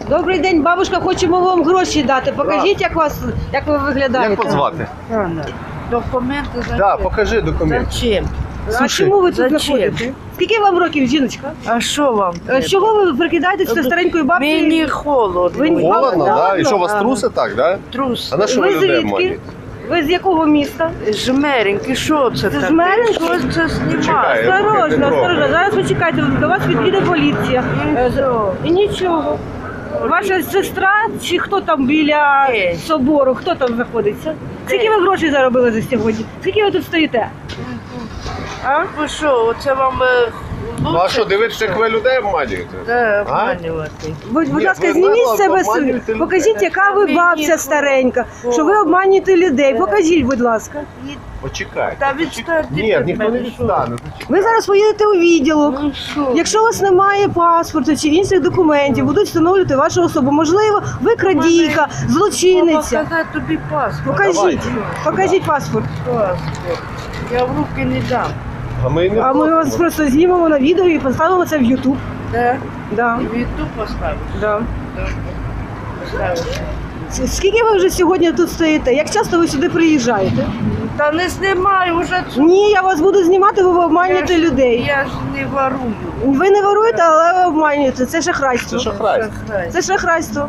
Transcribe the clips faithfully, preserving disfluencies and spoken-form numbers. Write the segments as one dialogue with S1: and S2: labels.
S1: Добрий день, бабушка, хочемо вам гроші дати. Покажіть, як вас, як ви виглядаєте.
S2: Як вас звати?
S3: Документи зачем?
S2: Да, покажи документ.
S3: Зачем?
S1: А
S2: Слушай,
S1: чому ви тут
S3: зачем?
S1: знаходите? Скільки вам років, жіночка?
S3: А що вам?
S1: Е, З чого ви прикидаєтесь до старенької бабці?
S3: Мені холодно.
S1: Ви-
S2: Холодно, да?
S1: Холодно?
S2: І що, вас
S3: Ага.
S2: труси так, да?
S3: Трус.
S2: А на що ви
S1: Ви
S2: людей
S1: звідки?
S2: обманюєте?
S1: Ви з якого міста?
S3: Жмереньки, що це таке?
S1: Жмереньки?
S3: Що це знімає?
S2: Чекай.
S1: Осторожно,
S2: не
S1: осторожно. Зараз почекайте, до вас підійде поліція. Е, з- І нічого. Ваша сестра чи хто там біля
S3: Ей.
S1: собору, хто там знаходиться? Скільки ви грошей заробили за сьогодні? Скільки ви тут стоїте? А?
S3: Ви що, оце вам е,
S2: Ну а що, дивитися, як ви людей обманюєте?
S3: Де
S2: А?
S3: обманювати?
S1: Будь, будь
S2: Ні,
S1: ласка,
S2: ви
S1: зніміть
S2: нагло
S1: з себе,
S2: обманюєте
S1: си-
S2: людей.
S1: покажіть, яка ви
S3: Мені
S1: бабця
S3: холодно.
S1: старенька, що ви обманюєте людей. Покажіть, будь ласка.
S2: Почекайте.
S3: Та відстаньте
S2: Ні,
S3: від
S2: ніхто не
S3: мене,
S2: відстане.
S1: Ви зараз поїдете у відділок.
S3: Ну що?
S1: Якщо у вас немає паспорту чи інших документів, будуть встановлювати вашу особу. Можливо, ви крадійка, злочинниця.
S3: Показати тобі паспорт.
S1: Покажіть, покажіть паспорт.
S3: Паспорт. Я в руки не дам.
S2: А ми не
S1: А ми вас
S2: просимо.
S1: просто знімемо на відео і поставимо це в Ютуб.
S3: Де?
S1: Да,
S3: В Ютуб поставиш?
S1: да.
S3: Добре. Поставиш.
S1: Скільки ви вже сьогодні тут стоїте? Як часто ви сюди приїжджаєте?
S3: Та не знімаю вже цю.
S1: Ні, я вас буду знімати, ви обманюєте
S3: Я ж-
S1: людей.
S3: Я ж не ворую.
S1: Ви не воруєте, але ви обманюєте. Це шахрайство.
S2: Це шахрайство.
S3: Шахрай.
S1: Це шахрайство.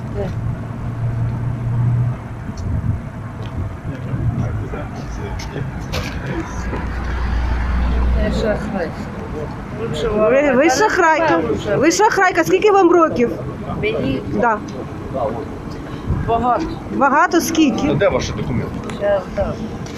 S3: Це шахрай. Лучше
S1: Ви,
S3: воровать.
S1: ви
S3: Та
S1: шахрайка.
S3: не знаю
S1: Ви шахрайка. Скільки вам років?
S3: вже. Мені
S1: Да.
S3: багато.
S1: Багато
S2: Ну
S1: скільки?
S2: де ваші документи?
S3: Зараз дам.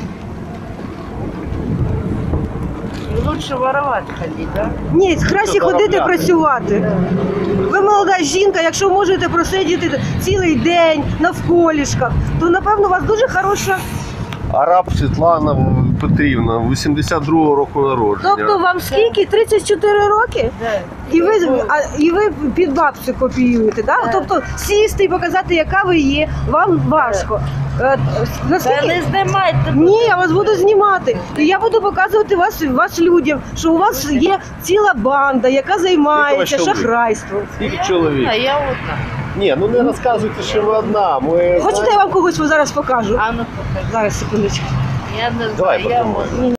S3: Лучше воровать ходить, да?
S1: Ні, краще
S2: Що,
S1: ходити
S2: заробляти?
S1: працювати. Ви молода жінка, якщо можете просидіти цілий день навколішках, то напевно у вас дуже хороша.
S2: Араб Світлана Петрівна, вісімдесят другого року народження.
S1: Тобто вам скільки? тридцять чотири роки?
S3: Да.
S1: І ви, а, і ви під бабцю копіюєте, да?
S3: Так.
S1: Тобто сісти і показати, яка ви є, вам важко. Е,
S3: Та
S1: Наскільки?
S3: не знімайте.
S1: Ні, я вас буду знімати. І я буду показувати вас, вас людям, що у вас є ціла банда, яка займається
S2: чоловік?
S1: шахрайством.
S2: Скільки чоловік?
S3: А я одна.
S2: Ні, ну не розказуйте, що ви одна. Ми...
S1: Хочете, я вам когось зараз покажу?
S3: А ну покажи.
S1: Зараз, секундочку.
S3: Я не
S2: Давай
S3: знаю, я
S2: потримай.
S3: одна.